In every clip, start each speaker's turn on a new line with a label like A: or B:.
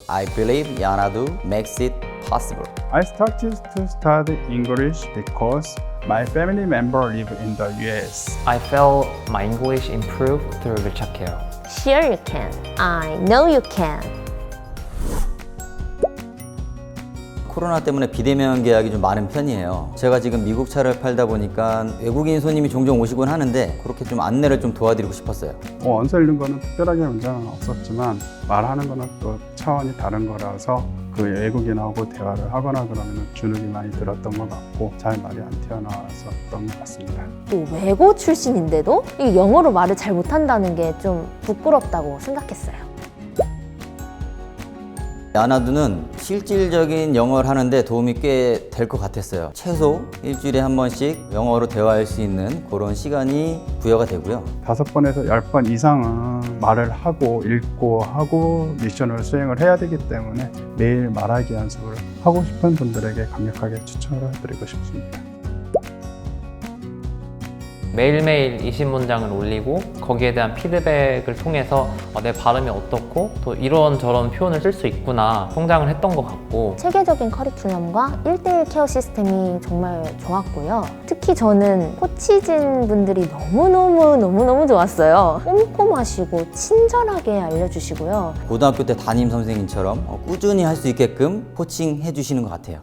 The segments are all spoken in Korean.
A: I believe Yanadu makes it possible.
B: I started to study English because my family member live in the US.
C: I felt my English improved through 위착해요.
D: Sure you can. I know you can.
A: 코로나 때문에 비대면 계약이 좀 많은 편이에요. 제가 지금 미국 차를 팔다 보니까 외국인 손님이 종종 오시곤 하는데 그렇게 좀 안내를 좀 도와드리고 싶었어요.
B: 언어 읽는 거는 특별하게 문제는 없었지만 말하는 거는 또 차원이 다른 거라서 그 외국인하고 대화를 하거나 그러면 주눅이 많이 들었던 것 같고 잘 말이 안 튀어나왔었던 것 같습니다.
D: 또 외고 출신인데도 이 영어로 말을 잘 못한다는 게 좀 부끄럽다고 생각했어요.
A: 야나두는 실질적인 영어를 하는데 도움이 꽤 될 것 같았어요. 최소 일주일에 한 번씩 영어로 대화할 수 있는 그런 시간이 부여가 되고요.
B: 5번에서 10번 이상은 말을 하고 읽고 하고 미션을 수행을 해야 되기 때문에 매일 말하기 연습을 하고 싶은 분들에게 강력하게 추천을 드리고 싶습니다.
C: 매일매일 20문장을 올리고 거기에 대한 피드백을 통해서 내 발음이 어떻고 또 이런저런 표현을 쓸 수 있구나 성장을 했던 것 같고
D: 체계적인 커리큘럼과 1대1 케어 시스템이 정말 좋았고요. 특히 저는 코치진 분들이 너무너무 좋았어요. 꼼꼼하시고 친절하게 알려주시고요.
A: 고등학교 때 담임 선생님처럼 꾸준히 할 수 있게끔 코칭해 주시는 것 같아요.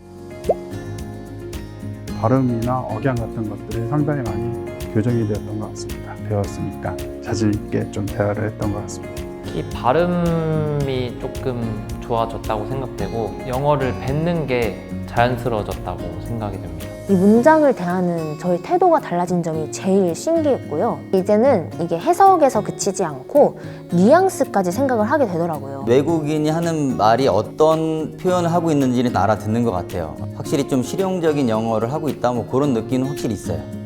B: 발음이나 억양 같은 것들이 상당히 많이 교정이 되었던 것 같습니다. 배웠으니까 자신 있게 좀 대화를 했던 것 같습니다.
C: 이 발음이 조금 좋아졌다고 생각되고 영어를 뱉는 게 자연스러워졌다고 생각이 됩니다.
D: 이 문장을 대하는 저의 태도가 달라진 점이 제일 신기했고요. 이제는 이게 해석에서 그치지 않고 뉘앙스까지 생각을 하게 되더라고요.
A: 외국인이 하는 말이 어떤 표현을 하고 있는지는 알아듣는 것 같아요. 확실히 좀 실용적인 영어를 하고 있다 뭐 그런 느낌은 확실히 있어요.